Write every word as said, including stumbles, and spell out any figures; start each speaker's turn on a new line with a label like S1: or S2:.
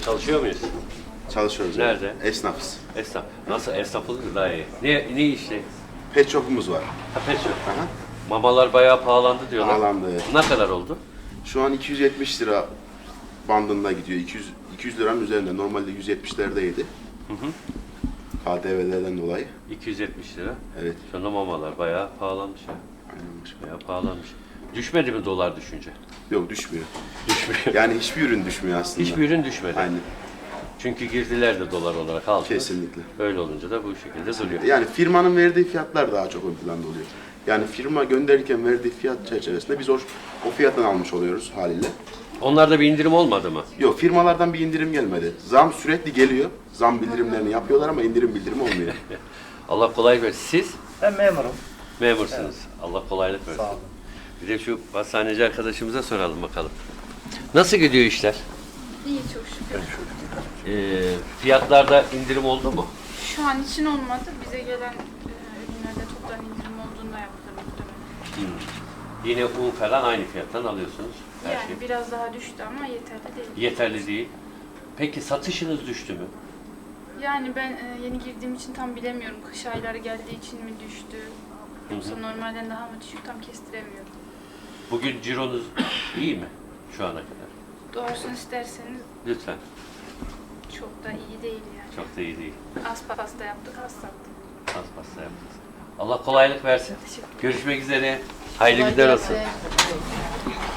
S1: Çalışıyor muyuz?
S2: Çalışıyoruz.
S1: Nerede?
S2: Yani. Esnafız.
S1: Esnaf. Nasıl esnaflık daha iyi? Ne, ne işte?
S2: Pet shop'umuz var.
S1: Ha, pet shop.
S2: Aha.
S1: Mamalar bayağı pahalandı diyorlar.
S2: Pahalandı, evet.
S1: Ne kadar oldu?
S2: Şu an iki yüz yetmiş lira bandında gidiyor. iki yüz, iki yüz liranın üzerinde. Normalde yüz yetmişlerdeydi.
S1: Hı hı.
S2: K D V'lerden dolayı.
S1: iki yüz yetmiş lira.
S2: Evet.
S1: Şu anda mamalar bayağı pahalanmış ya.
S2: Aynen başkanım.
S1: Bayağı pahalanmış. Düşmedi mi dolar düşünce?
S2: Yok düşmüyor.
S1: Düşmüyor.
S2: Yani hiçbir ürün düşmüyor aslında.
S1: Hiçbir ürün düşmedi.
S2: Aynen.
S1: Çünkü girdiler de dolar olarak aldılar.
S2: Kesinlikle.
S1: Öyle olunca da bu şekilde duruyor.
S2: Yani firmanın verdiği fiyatlar daha çok ön planda oluyor. Yani firma gönderirken verdiği fiyat çerçevesinde biz o, o fiyattan almış oluyoruz haliyle.
S1: Onlarda bir indirim olmadı mı?
S2: Yok, firmalardan bir indirim gelmedi. Zam sürekli geliyor. Zam bildirimlerini yapıyorlar ama indirim bildirimi olmuyor.
S1: Allah kolaylık versin. Siz
S3: Ben memurum.
S1: memursunuz. Allah kolaylık versin.
S3: Sağ olun.
S1: Bir de şu hastaneci arkadaşımıza soralım bakalım. Nasıl gidiyor işler?
S4: İyi çok şükür.
S1: Ee, fiyatlarda indirim oldu mu?
S4: Şu an için olmadı. Bize gelen e, ürünlerde toptan indirim olduğunda yapılır muhtemelen.
S1: Yine un falan aynı fiyattan alıyorsunuz. Her
S4: Yani
S1: şey.
S4: biraz daha düştü ama yeterli değil.
S1: Yeterli değil. Peki satışınız düştü mü?
S4: Yani ben e, yeni girdiğim için tam bilemiyorum. Kış ayları geldiği için mi düştü? Yoksa
S1: Hı hı.
S4: normalden daha mı düşük tam kestiremiyorum.
S1: Bugün cironuz iyi mi şu ana kadar?
S4: Doğrusunu isterseniz
S1: Lütfen.
S4: çok da iyi değil yani.
S1: Çok da iyi değil.
S4: Az pasta yaptık, az sattık.
S1: Az pasta yaptınız. Allah kolaylık versin.
S4: Teşekkür ederim.
S1: Görüşmek üzere. Hayırlı günler olsun.